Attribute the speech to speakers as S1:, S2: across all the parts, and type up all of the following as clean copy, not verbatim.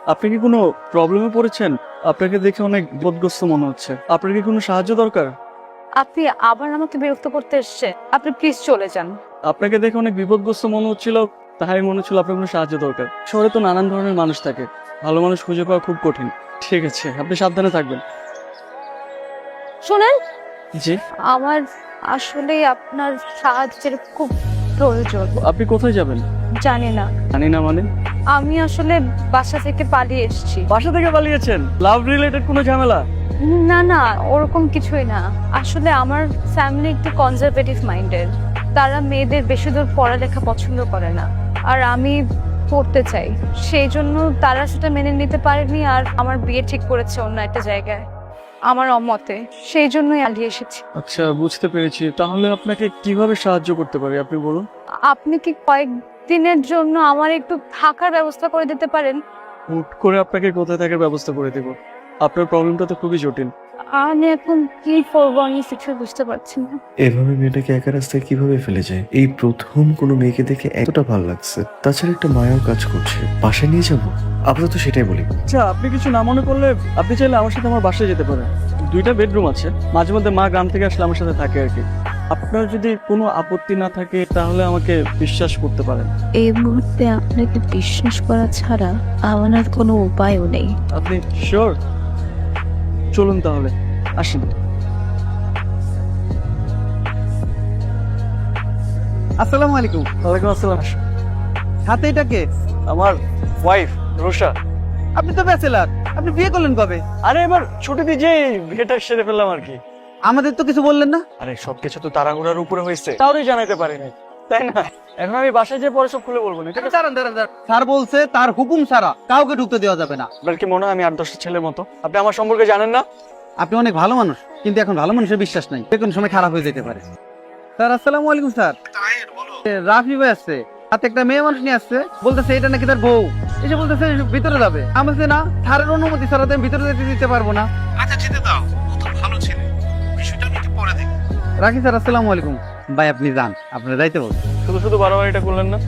S1: আপনি কি কোনো প্রবলেমে পড়েছেন? আপনাকে দেখে অনেক বোধগ্রস্ত মনে হচ্ছে। আপনার কি কোনো সাহায্য দরকার?
S2: আপনি আবার আমাকে বিরক্ত করতে এসেছেন। আপনি প্লিজ চলে যান।
S1: আপনাকে দেখে অনেক বিপদগ্রস্ত মনে হচ্ছিল, তাই মনে হচ্ছিল আপনার কোনো সাহায্য দরকার। শহরে তো নানান ধরনের মানুষ থাকে, ভালো মানুষ খুঁজে পাওয়া খুব কঠিন। ঠিক আছে, আপনি সাবধানে থাকবেন।
S2: শোনেন,
S1: জি,
S2: আমার আসলে আপনার সাহায্যের খুব প্রয়োজন।
S1: আপনি কোথায় যাবেন?
S2: জানি না,
S1: জানি না মানে?
S2: আমি আসলে বাসা থেকে পালিয়ে এসেছি।
S1: বাসা থেকে পালিয়েছেন? লাভ রিলেটেড কোনো ঝামেলা?
S2: না না, ওরকম কিছুই না। আসলে আমার ফ্যামিলি একটু কনজারভেটিভ মাইন্ডের। তারা মেয়েদের বেশি দূর পড়ালেখা পছন্দ করে না, আর আমি পড়তে চাই। সেই জন্য তারা সেটা মেনে নিতে পারেনি, আর আমার বিয়ে ঠিক করেছে অন্য একটা জায়গায় আমার অমতে। সেই জন্যই পালিয়ে এসেছি।
S1: আচ্ছা, বুঝতে পেরেছি। তাহলে আপনাকে কিভাবে সাহায্য করতে পারি আপনি বলুন।
S2: আপনি কি কয়েকদিনের জন্য আমার একটু থাকার ব্যবস্থা করে দিতে পারেন?
S1: হুট করে আপনাকে কোথায় থাকার ব্যবস্থা করে দেব? আপনার প্রবলেমটা তো খুবই জটিল।
S2: আমি এখন কি করবো আমি কিছু বুঝতে পারছি না।
S3: এভাবে মেয়েটাকে একা রাস্তায় কিভাবে ফেলে যায়? এই প্রথম কোনো মেয়েকে দেখে এতটা ভালো লাগছে। তাছাড়া একটা মায়াও কাজ করছে। বাসায় নিয়ে যাবো? আপাতত সেটাই বলি।
S1: আচ্ছা, আপনি কিছু না মনে করলে আপনি চাইলে আমার সাথে আমার বাসায় যেতে পারেন। 2টা বেডরুম আছে, মাঝে মধ্যে মা গ্রাম থেকে আসলে আমার সাথে থাকে আর কি। আপনার যদি কোনো আপত্তি না থাকে তাহলে আমাকে বিশ্বাস করতে পারেন।
S4: এই মুহূর্তে আপনাকে বিশ্বাস করা ছাড়া আমার আর কোনো উপায়ও নেই।
S1: আপনি শিওর? চলুন তাহলে, আসেন।
S5: আসসালামু আলাইকুম।
S1: ওয়ালাইকুম আসসালাম।
S5: হাতে এটা কে?
S1: আমার ওয়াইফ রুষা।
S5: আপনি তো ব্যাচেলার, আপনি বিয়ে করলেন কবে?
S1: আরে এবার ছুটিতে যে বিয়েটা সেরে ফেললাম আর কি।
S5: আমাদের তো কিছু বললেন না।
S1: আরে সবকিছু তো তাড়াহুড়ার উপরে হয়েছে, তাহলে জানাতে পারিনি, তাই না? এখন আমি বাসায় যেয়ে পরে সব খুলে বলবো না, ঠিক আছে?
S5: দাঁড়ান দাঁড়ান দাঁড়ান। স্যার বলছে তার হুকুম ছাড়া কাউকে ঢুকতে দেওয়া যাবে না।
S1: আপনার কি মনে হয় আমি 8-10টা ছেলের মতো? আপনি আমার সম্পর্কে জানেন না?
S5: আপনি অনেক ভালো মানুষ, কিন্তু এখন ভালো মানুষের বিশ্বাস নাই, যে কোনো সময় খারাপ হয়ে যেতে পারে। স্যার আসসালামু আলাইকুম। স্যার রাফি ভাই আসছে, হাতে একটা মেয়ে মানুষ নিয়ে আসছে, বলতেছে এটা নাকি তার বউ। এসে বলতেছে ভিতরে যাবে। আমি বলছি না, স্যারের অনুমতি ছাড়া তো আমি ভিতরে যেতে দিতে পারবো না।
S6: আচ্ছা যেতে দাও, ও তো ভালো ছেলে, বিষয়টা আমি একটু পরে দেখি।
S5: রাখি স্যার, আসসালামু আলাইকুম। ভাই আপনি যান, আপনার যাইতে বলুন।
S1: শুধু শুধু বাড়াবাড়িটা করলেন না।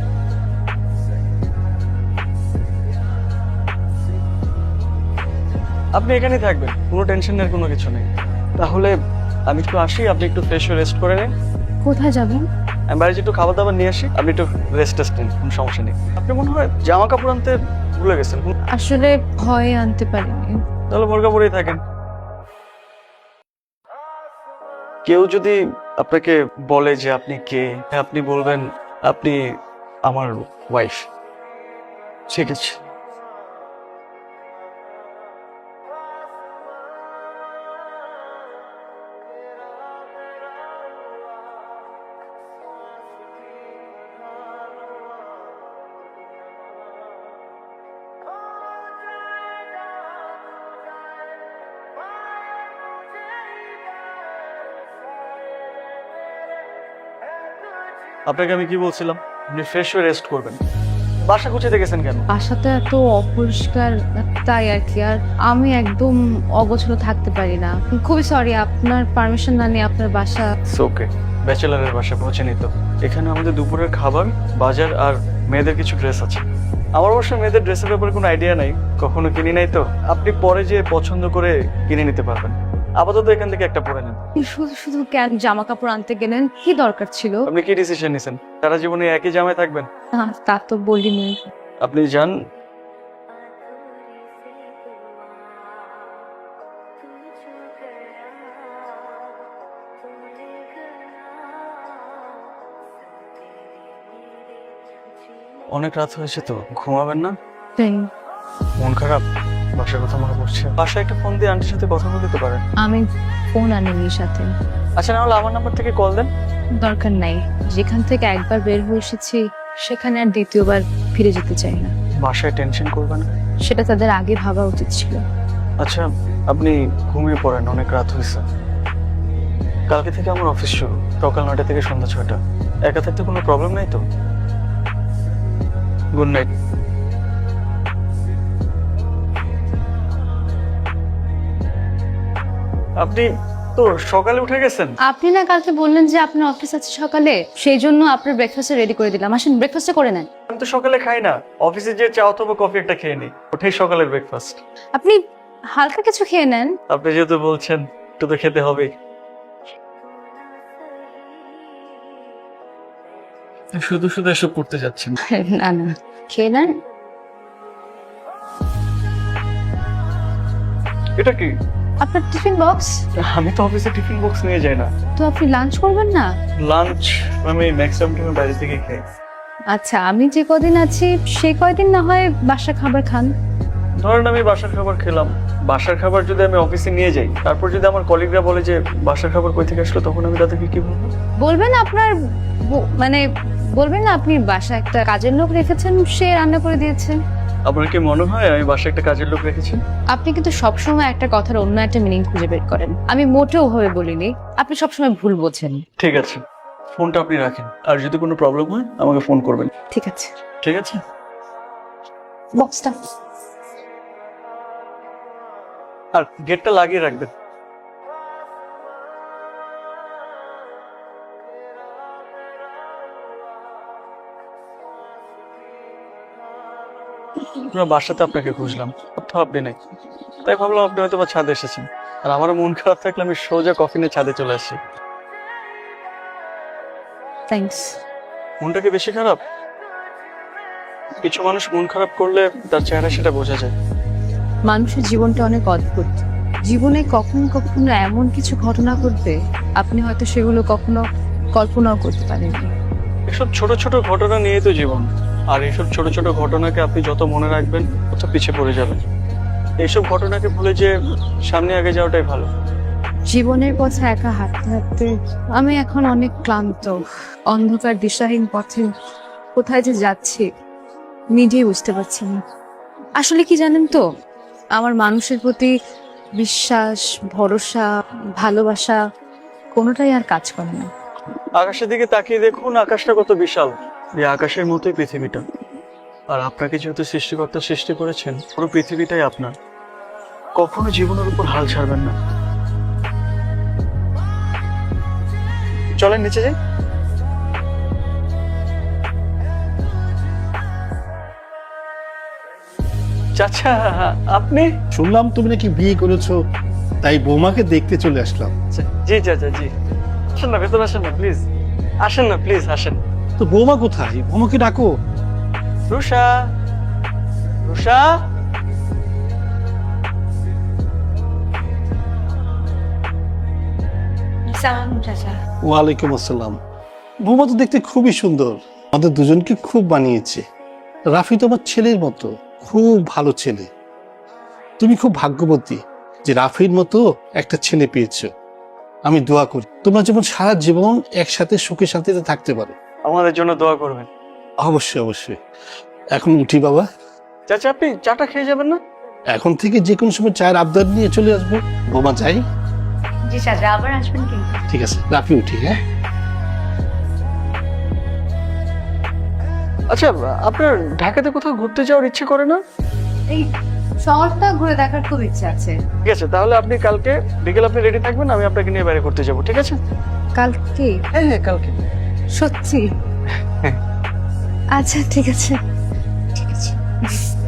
S1: আপনি এখানেই থাকবেন, কোনো টেনশনের কোনো কিছু নেই। তাহলে আমি একটু আসি, আপনি একটু ফ্রেশ হয়ে রেস্ট করে নিন।
S2: কোথায় যাবেন?
S1: আমি বাড়িতে একটু খাবার দাবার নিয়ে আসি, আপনি একটু রেস্ট নিন, কোনো সমস্যা নেই। আপনি মনে হয় জামা কাপড় আনতে ভুলে গেছেন।
S2: আসলে ভয়ে আনতে পারিনি।
S1: তাহলে বোরকা পরেই থাকেন। কেউ যদি আপনাকে বলে যে আপনি কে, আপনি বলবেন আপনি আমার ওয়াইফ। ঠিক আছে? আপনাকে আমি কি বলছিলাম? আপনি ফ্রেশ হয়ে রেস্ট করবেন। বাসা গুছিয়ে গেছেন কেন?
S2: বাসাটা এত অপরিষ্কার, তাই আর কি। আর আমি একদম অগোছালো থাকতে পারি না। খুবই সরি, আপনার পারমিশন না নিয়ে আপনার বাসা।
S1: ওকে, ব্যাচেলারের বাসা পৌঁছেনি তো। এখানে আমাদের দুপুরের খাবার, বাজার আর মেয়েদের কিছু ড্রেস আছে। আমার অবশ্য মেয়েদের ড্রেসের ব্যাপারে কোনো আইডিয়া নাই, কখনো কিনি নাই তো। আপনি পরে যে পছন্দ করে কিনে নিতে পারবেন। আপাতত এখান থেকে একটা পরে নেন।
S2: শুধু শুধু কেন জামা কাপড় আনতে গেলেন? কি দরকার ছিল?
S1: আপনি কি ডিসিশন নিছেন? সারা জীবনে একই জামায় থাকবেন?
S2: না, তা তো বলিনি।
S1: আপনি যান। অনেক রাত হয়েছে তো, ঘুমাবেন না? মন খারাপ? বাসার কথা মনে পড়ছে? বাসায় একটা ফোন দিয়ে আন্টির সাথে কথা বলে দিতে পারেন।
S2: আমি ফোন আনিনি সাথে।
S1: আচ্ছা, না হলে আমার নাম্বার থেকে কল দেন।
S2: দরকার নাই, যেখান থেকে একবার বের হয়ে এসেছি সেখানে আর দ্বিতীয়বার ফিরে যেতে চাই না।
S1: বাসায় টেনশন করবেন না।
S2: সেটা তাদের আগে ভাবা উচিত ছিল।
S1: আচ্ছা, আপনি ঘুমিয়ে পড়েন, অনেক রাত হয়েছে। কালকে থেকে আমার অফিস শুরু, সকাল 9টা থেকে সন্ধ্যা 6টা। একা থাকতে কোনো প্রবলেম নাই তো? Good night. আপনি তো সকালে উঠে গেছেন?
S2: আপনি না কালকে বললেন যে আপনার অফিস আছে সকালে, সেই জন্য আপনার ব্রেকফাস্ট রেডি করে দিলাম। আসেন ব্রেকফাস্টটা করে নেন।
S1: আমি তো তো সকালে খাই না, অফিসে যে চা অথবা কফি একটা খেয়ে নিই, ওটাই সকালের ব্রেকফাস্ট।
S2: আপনি হালকা কিছু খেয়ে নেন।
S1: আপনি যেহেতু বলছেন একটু তো খেতে হবেই। শুধু শুধু এসব করতে যাচ্ছেন।
S2: না না, খেয়ে নেন।
S1: এটা কি?
S2: আপনার টিফিন বক্স।
S1: আমি তো অফিসে টিফিন বক্স নিয়ে যাই না।
S2: তো আপনি লাঞ্চ করবেন না?
S1: লাঞ্চ আমি ম্যাক্সিমাম টাইম বাইরে থেকে খাই।
S2: আচ্ছা, আমি যে কদিন আছি সেই কয়দিন না হয় বাসা খাবার খান।
S1: ধরেন আমি বাসার খাবার খেলাম, বাসার খাবার যদি আমি অফিসে নিয়ে যাই, তারপর যদি আমার কলিগরা বলে যে বাসার খাবার কই থেকে আসলো, তখন আমি তাদেরকে কি বলবো?
S2: বলবেন আপনার মানে বলবেন না আপনি বাসা একটা কাজের লোক রেখেছেন, সে রান্না করে দিয়েছে।
S1: আপনার কি মনে হয় আমি বাসায় একটা কাজের লোক রেখেছি?
S2: আপনি কিন্তু সবসময় একটা কথার অন্য একটা মিনিং খুঁজে বের করেন। আমি মোটেও ভাবে বলিনি, আপনি সবসময় ভুল বোঝেন।
S1: ঠিক আছে, ফোনটা আপনি রাখেন, আর যদি কোনো প্রবলেম হয় আমাকে ফোন করবেন।
S2: ঠিক আছে,
S1: ঠিক আছে?
S2: বক্সটা।
S1: আর গেটটা লাগিয়ে রাখবেন। পুরো বাসাতে আপনাকে খুঁজলাম, কোথাও আপনি নেই, তাই ভাবলাম আপনি হয়তো বা ছাদে এসেছেন। আর আমারও মন খারাপ থাকলে আমি সোজা কফি নিয়ে ছাদে চলে আসি।
S2: থ্যাঙ্কস।
S1: মনটা কি বেশি খারাপ? কিছু মানুষ মন খারাপ করলে তার চেহারা সেটা বোঝা যায়।
S2: মানুষের জীবনটা অনেক অদ্ভুত। জীবনে কখনো কখনো এমন কিছু ঘটনা ঘটবে আপনি হয়তো সেগুলো কখনো কল্পনাও করতে পারেননি।
S1: এসব ছোট ছোট ঘটনা নিয়ে তো জীবন, আর এইসব ছোট ছোট ঘটনাকে আপনি যত মনে রাখবেন তত পিছিয়ে পড়ে যাবেন। এইসব ঘটনাকে ভুলে যে সামনে আগে যাওয়াটাই ভালো।
S2: জীবনের পথে একা হাঁটতে হাঁটতে আমি এখন অনেক ক্লান্ত। অন্ধকার দিশাহীন পথে কোথায় যে যাচ্ছি নিজেই বুঝতে পারছি না। আসলে কি জানেন তো, আমার মানুষের প্রতি বিশ্বাস, ভরসা, ভালোবাসা কোনোটাই আর কাজ করে না।
S1: আকাশের দিকে তাকিয়ে দেখুন, আকাশটা কত বিশাল। এই আকাশের মতোই পৃথিবীটা। আর আপনাকে যেহেতু সৃষ্টিকর্তা সৃষ্টি করেছেন, পুরো পৃথিবীটাই আপনার। কখনো জীবনের উপর হাল ছাড়বেন না। চলেন নিচে যাই। চাচা, আপনি?
S6: শুনলাম তুমি নাকি বিয়ে করেছো, তাই বৌমাকে দেখতে চলে আসলাম।
S1: জি চাচা, জি। আসেন না, ভেতরে আসেন না প্লিজ। আসেন না প্লিজ, আসেন।
S6: তো বৌমা কোথায়? বৌমাকে ডাকো।
S1: রুষা, রুষা।
S6: ওয়ালাইকুম আসসালাম। বৌমা তো দেখতে খুবই সুন্দর, আমাদের দুজনকে খুব বানিয়েছে। রাফি তো আমার ছেলের মতো, খুব ভালো ছেলে। তুমি খুব ভাগ্যবতী যে রাফির মতো একটা ছেলে পেয়েছো। আমি দোয়া করি তোমরা যেমন সারা জীবন একসাথে সুখে শান্তিতে থাকতে পারো।
S1: আমাদের জন্য দোয়া করবেন।
S6: অবশ্যই অবশ্যই। এখন উঠি বাবা।
S1: চাচা, আপনি চাটা খেয়ে যাবেন না?
S6: এখন থেকে যে কোনো সময় চায়ের আবদার নিয়ে চলে আসবো। বৌমা যাই।
S2: জি চাচা, আবার আসবেন কিন্তু।
S6: ঠিক আছে, রাফি উঠি। হ্যাঁ,
S1: আচ্ছা, আপনার ঢাকাতে কোথাও ঘুরতে যাওয়ার ইচ্ছে করে না?
S2: এই শহরটা ঘুরে দেখার খুব ইচ্ছে আছে।
S1: ঠিক আছে, তাহলে আপনি কালকে বিকেল আপনি রেডি থাকবেন, আমি আপনাকে নিয়ে বাইরে ঘুরতে যাবো। ঠিক আছে?
S2: কালকে?
S1: হ্যাঁ হ্যাঁ, কালকে।
S2: সত্যি?
S1: হ্যাঁ।
S2: আচ্ছা ঠিক আছে, ঠিক আছে।